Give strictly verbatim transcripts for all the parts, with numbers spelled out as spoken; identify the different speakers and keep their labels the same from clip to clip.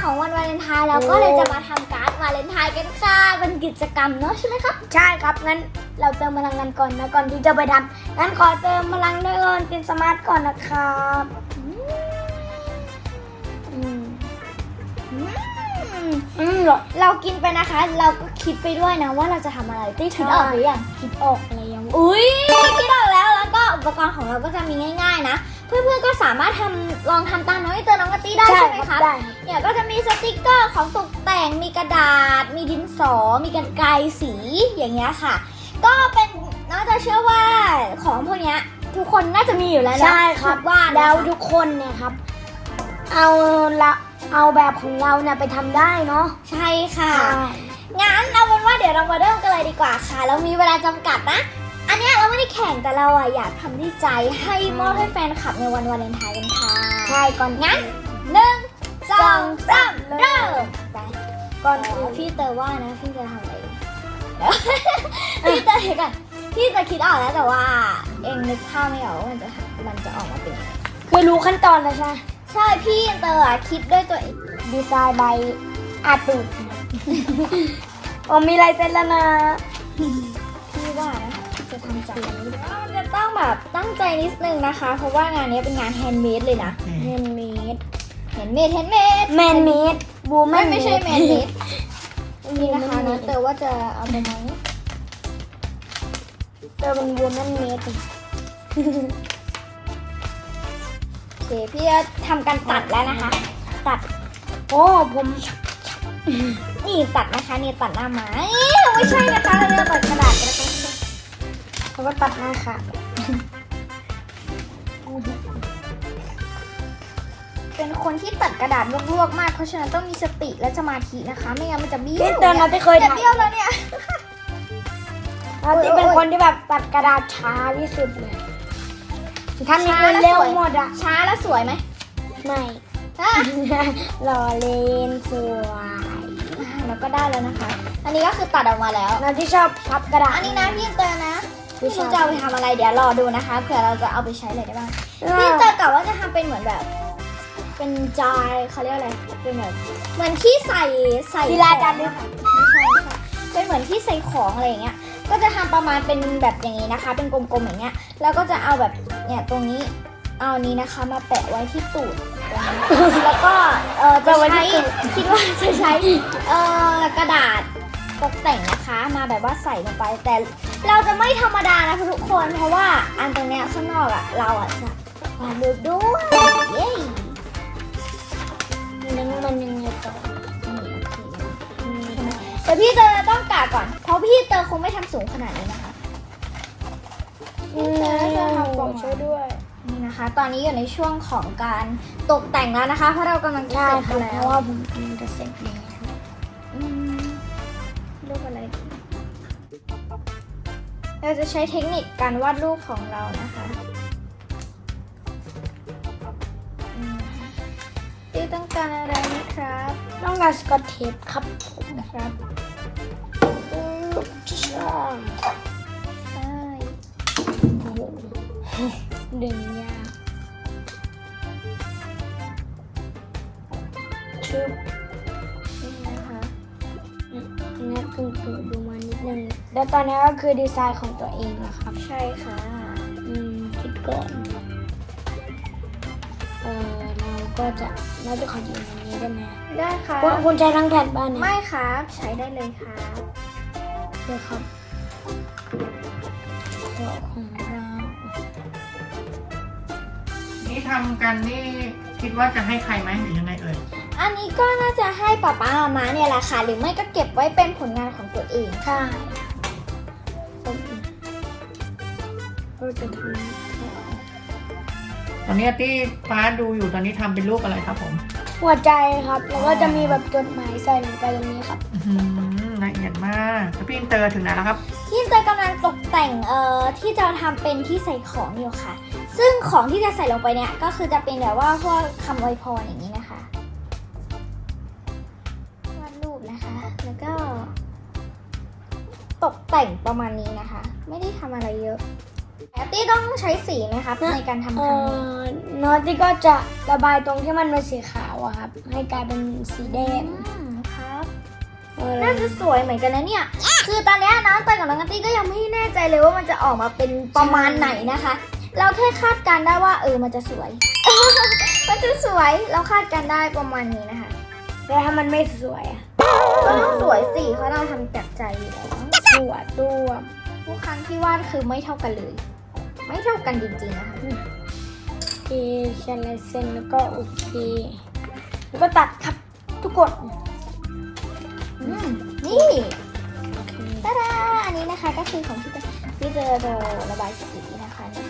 Speaker 1: ของวันวาเลนไทน์เราก็เลยจะมาทำการ์ดวาเลนไทน์กันค่ะเป็นกิจกรรมเนาะใช่ไหมครับ
Speaker 2: ใช่ครับงั้นเราเติมพลังกันก่อนนะก่อนที่จะไปทำงั้นขอเติมพลังด้วยก่อนกินสมาร์ทก่อนนะครับอืมอืม
Speaker 1: เรากินไปนะคะ เราก็คิดไปด้วยนะว่าเราจะทำอะไรตี้คิดออกหรือยัง
Speaker 2: คิดออกอะไรยัง
Speaker 1: อุ้ยคิดออกแล้วแล้วก็อุปกรณ์ของเราก็จะมีง่ายๆนะเพื่อนๆก็สามารถทำลองทำตามน้องไอเตอร์น้องกะตี้ได้ใช่ไหมคะเนี่ยก็จะมีสติกเกอร์ของตกแต่งมีกระดาษ มีดินสอมีกรรไกรสีอย่างเงี้ยค่ะก็เป็นน่าจะเชื่อว่าของพวกเนี้ยทุกคนน่าจะมีอยู่แล้วนะ
Speaker 2: ใช่ครับ
Speaker 1: ว่า
Speaker 2: แล้วทุกคนเนี่ยครับเอาละเอาแบบของเราเนี่ยไปทำได้เนาะ
Speaker 1: ใช่ค่ะงั้นเอาเป็นว่าเดี๋ยวเรามาเริ่มกันเลยดีกว่าค่ะเรามีเวลาจำกัดนะอันเนี้ยเราไม่ได้แข่งแต่เราอะอยากทำด้วยใจให้มอบให้แฟนคลับในวันวาเลนไทน์กันค่ะ
Speaker 2: ใช่ก่อน
Speaker 1: งั้นหนึ่งสองสามเริ่มไปก่อนอื่นพี่เตอว่านะพี่จะทำอะไรพี่เตอเดี๋ยวก่อนพี่จะคิดออกแล้วแต่ว่าเองนึกภาพไม่ออกว่ามันจะมันจะออกมาเป็นยังไง
Speaker 2: คือรู้ขั้นตอนแล้วใช่
Speaker 1: ใช่พี่เตออะคิดด้วยตัวเอง
Speaker 2: ดีไซน์ใบอาตูดโอ้มีลายเซ็นแล้วนะ
Speaker 1: พี่ว่านะจะทำจากนี้จะต้องแบบตั้งใจนิดนึงนะคะเพราะว่างานนี้เป็นงานแฮนด์เมดเลยนะ
Speaker 2: แฮนด์เมด
Speaker 1: แฮนด์เมดแฮนด์เมด
Speaker 2: แมนเมดบูแมน
Speaker 1: ไม่ใช่แมนเมดนี่นะคะนะเตอว่าจะเอาไปไหม
Speaker 2: เตอเป็นบูแมนเมด
Speaker 1: โอเคพี่จะทำการตัดแล้วนะคะตัด
Speaker 2: โอ้ผม
Speaker 1: นี่ตัดนะคะนี่ตัดหน้าไม้ไม่ใช่นะคะเราจะตัดกระดาษกันนะคะ
Speaker 2: เขาก็ตัดหน้าค่ะ
Speaker 1: เป็นคนที่ตัดกระดาษลวกๆมากเพราะฉะนั้นต้องมีสติและสมาธินะคะไม่งั้นมันจะเบี้ยว
Speaker 2: พี่เตอร์เราไม่เคย
Speaker 1: จะเบี้ยวแล้วเนี่ย
Speaker 2: เราที่เป็นคนที่แบบตัดกระดาษช้าที่สุดเลยทำนี่คือเร็วหมดอะ
Speaker 1: ช้าแล้วสวยไหม
Speaker 2: ไม่รอเลนสวย
Speaker 1: แล้วก็ได้แล้วนะคะอันนี้ก็คือตัดออกมาแล้ว
Speaker 2: เราที่ชอบพับกระดาษ
Speaker 1: อันนี้นะพี่เตอร์นะพี่จะเอาไปทำอะไรเดี๋ยวรอดูนะคะเผื่อเราจะเอาไปใช้อะไรได้บ้างพี่เตอร์กะว่าจะทำเป็นเหมือนแบบเป็นจายเขาเรียกอะไรเป็นแบบเหมือนที่ใส่ใส่
Speaker 2: กีฬาจานด้วยค่ะ
Speaker 1: ไม่ใช่ค่ะเป็นเหมือนที่ใส่ของอะไรอย่างเงี้ยก็จะทำประมาณเป็นแบบอย่างนี้นะคะเป็นกลมๆอย่างเงี้ยแล้วก็จะเอาแบบเนี่ยตรงนี้เอานี้นะคะมาแปะไว้ที่ตูดแล้วก็เออจะใช้คิดว่าจะใช้เอ่อกระดาษตกแต่งนะคะมาแบบว่าใส่ลงไปแต่เราจะไม่ธรรมดานะทุกคนเพราะว่าอันตรงเนี้ยข้างนอกอ่ะเราอ่ะจะวาดรูปด้วยเย้
Speaker 2: นั่นมันยังไงต่อ
Speaker 1: แต่พี่เตอร์ต้องกะก่อนเพราะพี่เตอร์คงไม่ทำสูงขนาดนี้นะคะ
Speaker 2: พี่เตอร์จะทำกล่องช่วยด้วย
Speaker 1: นี่นะคะตอนนี้อยู่ในช่วงของการตกแต่งแล้วนะคะเพราะเรากำลังจะเสร็จแล้ว
Speaker 2: เพราะว่าผมกำลังจะเสร็จแล้ว
Speaker 1: รูปอะไรเราจะใช้เทคนิคการวาดรูปของเรานะคะพี่ต้องการอะไรนะครับ
Speaker 2: ต้องการสกอตเทปครับผม
Speaker 1: นะครับ
Speaker 2: ใช่
Speaker 1: ใช่
Speaker 2: ดึงยากชุบ
Speaker 1: นี่นะคะ
Speaker 2: นี่คือดูมานิดนึงแล้วตอนนี้ก็คือดีไซน์ของตัวเองนะครับ
Speaker 1: ใช่ค่ะ
Speaker 2: อืมคิดก่อนเออเราก็จะเราจะขอยืมอันนี้ได้ไหม
Speaker 1: ได้ค่ะ
Speaker 2: คุณใช้ทั้งแผ่นบ้านเนี่ย
Speaker 1: ไม่ครับใช้ได้เลยค่ะ
Speaker 2: เดี๋ยวครับของเรา
Speaker 3: นี่ทำกันนี่คิดว่าจะให้ใครไหมหรือยังไงเอ่ย
Speaker 1: อันนี้ก็น่าจะให้ป๊าป๊ามาม่าเนี่ยแหละค่ะหรือไม่ก็เก็บไว้เป็นผลงานของตัวเอง
Speaker 2: ค่ะเราจะท
Speaker 3: ำตอนนี้ที่ฟ้าดูอยู่ตอนนี้ทำเป็นรูปอะไรครับผม
Speaker 2: หัวใจครับแล้วก็จะมีแบบจดหมายใส่ลงไปตรงนี้ครับ
Speaker 3: ละเอียดมากแล้วพี่อินเตอร์ถึงไหนแล้วครับ
Speaker 1: พี่อินเตอร์กำลังตกแต่งเอ่อที่จะทำเป็นที่ใส่ของอยู่ค่ะซึ่งของที่จะใส่ลงไปเนี่ยก็คือจะเป็นแบบว่าพวกคำอวยพรอย่างนี้นะคะวาดรูปนะคะแล้วก็ตกแต่งประมาณนี้นะคะไม่ได้ทำอะไรเยอะแอตตี้ต้องใช้สีไหมคะในการทำครั้งนี้
Speaker 2: นอตตี้ก็จะระบายตรงที่มันเป็นสีขาวาวอะครับ ให้กลายเป็นสีแดง
Speaker 1: อืมครับ
Speaker 2: เออ
Speaker 1: น่าจะสวยเหมือนกันนะเนี่ย คือตอนเนี้ยน้องเตยกับน้องนัตตี้ก็ยังไม่แน่ใจเลยว่ามันจะออกมาเป็นประมาณไหนนะคะ เราแค่คาดการณ์ได้ว่าเออมันจะสวย มันจะสวย เราคาดการณ์ได้ประมาณนี้นะคะ
Speaker 2: แต่ถ้ามันไม่สวยอะ
Speaker 1: ก็ต้องสวยสิเพราะเราทำจากใจอยู่แล้ว
Speaker 2: สวยตัว
Speaker 1: ทุกครั้งที่วาดคือไม่เท่ากันเลย ไม่เท่ากันจริงๆนะคะ
Speaker 2: เอเขียนลายเส้นแล้วก็โอเคแล้วก็ตัดครับทุกคน
Speaker 1: อืมนี่ตาดาอันนี้นะคะก็คือของพี่เตพี่เตอจะระบายสีนะคะเนี่ย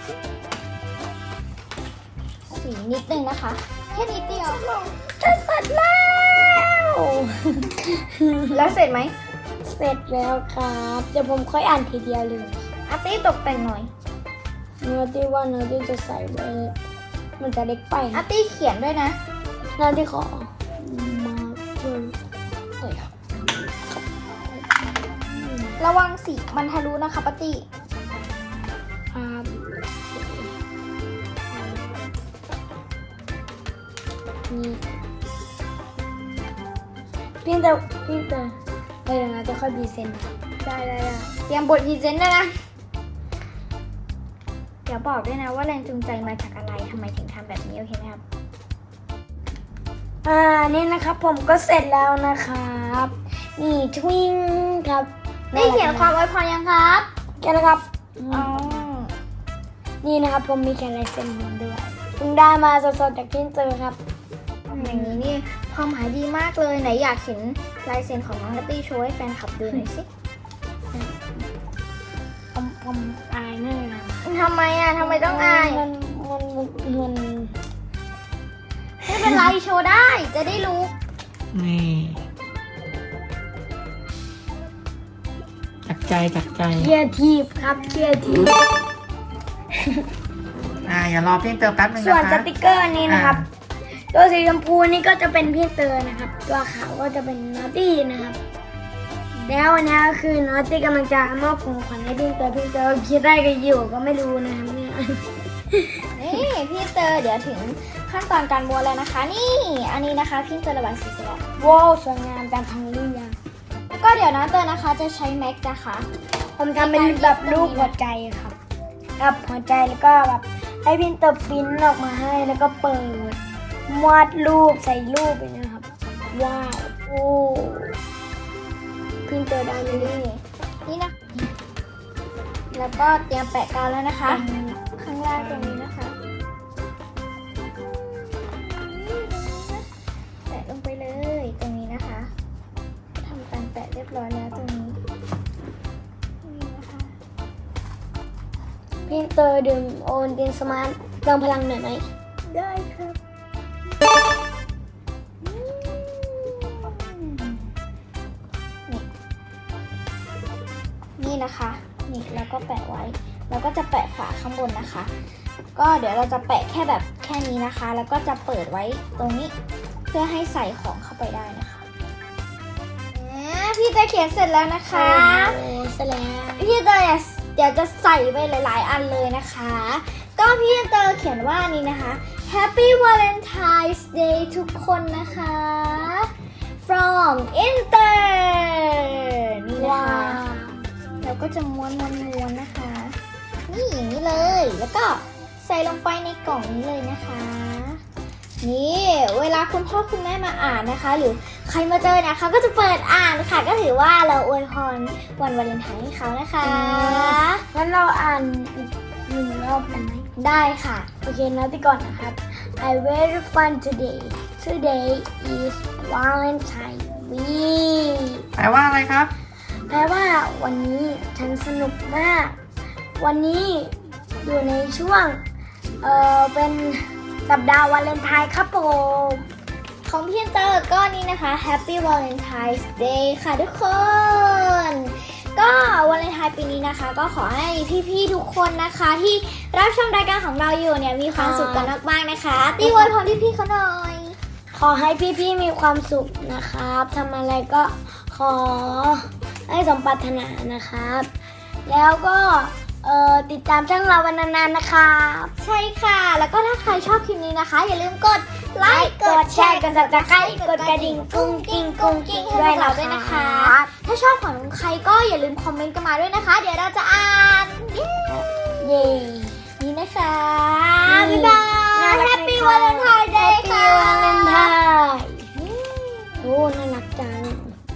Speaker 1: สีนิดนึงนะคะแค่นิดเดียว
Speaker 2: จะเสร็จแล้ว
Speaker 1: แล้วเสร็จไหม
Speaker 2: เสร็จแล้วครับเดี๋ยวผมค่อยอ่านทีเดียวเลย
Speaker 1: อาร์ตี้ตกแต่งหน่อย
Speaker 2: เนื้อที่ว่าเนื้อที่จะใส่ไว้มันจะเล็กไป
Speaker 1: อาร์ตี้เขียนด้วยนะ
Speaker 2: เนื้อที่ขอมาเพิ่มเลย
Speaker 1: ระวังสีมันทะลุนะคะปาร์ตี้
Speaker 2: ครับนี่พี่เตอพี่เตอเดี๋ยวนะจะค่อยดีเซนต์
Speaker 1: ได้ได้ได้เตรียมบทพรีเซนต์ด้วยนะ เดี๋ยวบอกด้วยนะว่าแรงจูงใจมาจากอะไรทำไมถึงทำแบบนี้โอเคไหมครับ
Speaker 2: อ่านี่นะครับผมก็เสร็จแล้วนะครับ นี่ทวิงครับ
Speaker 1: ได้เขียนความอวยพรยังครับ
Speaker 2: แค่นะครับ
Speaker 1: อ๋อ
Speaker 2: นี่นะครับผมมีแค่ลายเซ็นผมด้วยเพิ่งได้มาสดๆจากที่เจอครับ
Speaker 1: อย่างนี้นี่ความหมายดีมากเลยไหนอยากเห็นลายเซ็นของน้องนัตตี้โชว์ให้แฟนคลับดูหน่อยสิ
Speaker 2: ผมผมอายแน่เลย
Speaker 1: ทำไมอ่ะทำไมต้องอาย
Speaker 2: มันมันมัน
Speaker 1: ไม่เป็นไรโชว์ได้จะได้รู้
Speaker 3: นี่จากใจจากใจ
Speaker 2: เคียทีฟครับเคียทีฟ
Speaker 3: อ่าอย่ารอพี่เติมแป๊บนึง
Speaker 2: ส่วน
Speaker 3: นะ
Speaker 2: ส
Speaker 3: คะ
Speaker 2: ติกเกอร์นี้นะครับ ตัวสีชมพูนี่ก็จะเป็นพี่เตอร์นะครับ ตัวขาวก็จะเป็นนอตตี้นะครับ แล้วอันนี้ก็คือนอตตี้กำลังจะมอบของขวัญให้พี่เตอร์พี่เตอร์คิดได้กันอยู่ก็ไม่รู้นะครับเนี่ย
Speaker 1: นี่พี่เตอร์เดี๋ยวถึงขั้นตอนการม้วนแล้วนะคะ นี่อันนี้นะคะพี่เตอร์ระบายสีเสร็จแล้ว
Speaker 2: ว้าวสวยงามตามทางเรียง
Speaker 1: แล้วก็เดี๋ยวนะเตอร์นะคะจะใช้แม็กนะคะ
Speaker 2: ผมทำเป็นแบบรูปหัวใจครับครับหัวใจแล้วก็แบบให้พี่เตอร์ปริ้นออกมาให้แล้วก็เปิดวาดรูปใส่รูปไปนะครับว้าวโอ้พี่เตอร์ได้เลย
Speaker 1: นี่นี่นะแล้วก็เตรียมแปะกาวแล้วนะคะ ข้างล่างตรงนี้นะคะแปะลงไปเลยตรงนี้นะคะทำการแปะเรียบร้อยแล้วตรงนี้นี่นะคะ
Speaker 2: พี่เตอร์ดื่มโอนตินสมาร์ทเติมพลังหน่อยไหม
Speaker 1: ได้ครับอืมนี่นี่นะคะนี่แล้วก็แปะไว้แล้วก็จะแปะฝาข้างบนนะคะ ก็เดี๋ยวเราจะแปะแค่แบบแค่นี้นะคะ แล้วก็จะเปิดไว้ตรงนี้เพื่อให้ใส่ของเข้าไปได้นะคะอ่าพี่เตยเขียนเสร็จแล้วนะคะ
Speaker 2: โอ้เสร็จแล้ว
Speaker 1: พี่เตยเดี๋ยวจะใส่ไปหลาย ๆ อันเลยนะคะ ก็พี่เตยเขียนว่านี่นะคะ Happy Valentine's Day ทุกคนนะคะ from Inter นี่นะ
Speaker 2: ว้า
Speaker 1: คะ
Speaker 2: ว
Speaker 1: เราก็จะม้วนม้วนม้วนนะคะ นี่อย่างนี้เลย แล้วก็ใส่ลงไปในกล่องนี้เลยนะคะ นี่เวลาคุณพ่อคุณแม่มาอ่านนะคะ หรือใครมาเจอเนี่ยเขาก็จะเปิดอ่านค่ะ ก็ถือว่าเราอวยพรวันวาเลนไทน์ให้เขานะคะ
Speaker 2: งั้นเราอ่านอีกหนึ่งรอบกันไหม
Speaker 1: ได้ค่ะ
Speaker 2: โอเคนะที่ก่อนนะครับ I very fun today today is Valentine week
Speaker 3: แปลว่าอะไรครับ
Speaker 2: แปลว่าวันนี้ฉันสนุกมาก วันนี้อยู่ในช่วง เออเป็นสัปดาห์วาเลนไทน์ครับผม
Speaker 1: ของพี่เตอร์ก็นี่นะคะ Happy Valentine's Day ค่ะทุกคน ก็วาเลนไทน์ปีนี้นะคะ ก็ขอให้พี่ๆทุกคนนะคะ ที่รับชมรายการของเราอยู่เนี่ยมีความสุขกันมากๆนะคะตีอวยพรพี่ๆเขาหน่อย
Speaker 2: ขอให้พี่ๆมีความสุขนะครับทำอะไรก็ขอให้สมปรารถนานะครับ แล้วก็เอ่อติดตามช่องเราวันนานๆนะครับ
Speaker 1: ใช่ค่ะ แล้วก็ถ้าใครชอบคลิปนี้นะคะ อย่าลืมกดไลค์
Speaker 2: กดแชร์กด ซับสไครบ์กดกระดิ่งกุ้งกิ้งกุ้งกิ้ง
Speaker 1: ให้
Speaker 2: ด้วย
Speaker 1: เรา
Speaker 2: นะ
Speaker 1: ด้วยนะคะ
Speaker 2: ครับ
Speaker 1: ถ้าชอบของใครก็อย่าลืมคอมเมนต์กันมาด้วยนะคะ เดี๋ยวเราจะอ่าน เย้
Speaker 2: เย้
Speaker 1: นี่นะคะ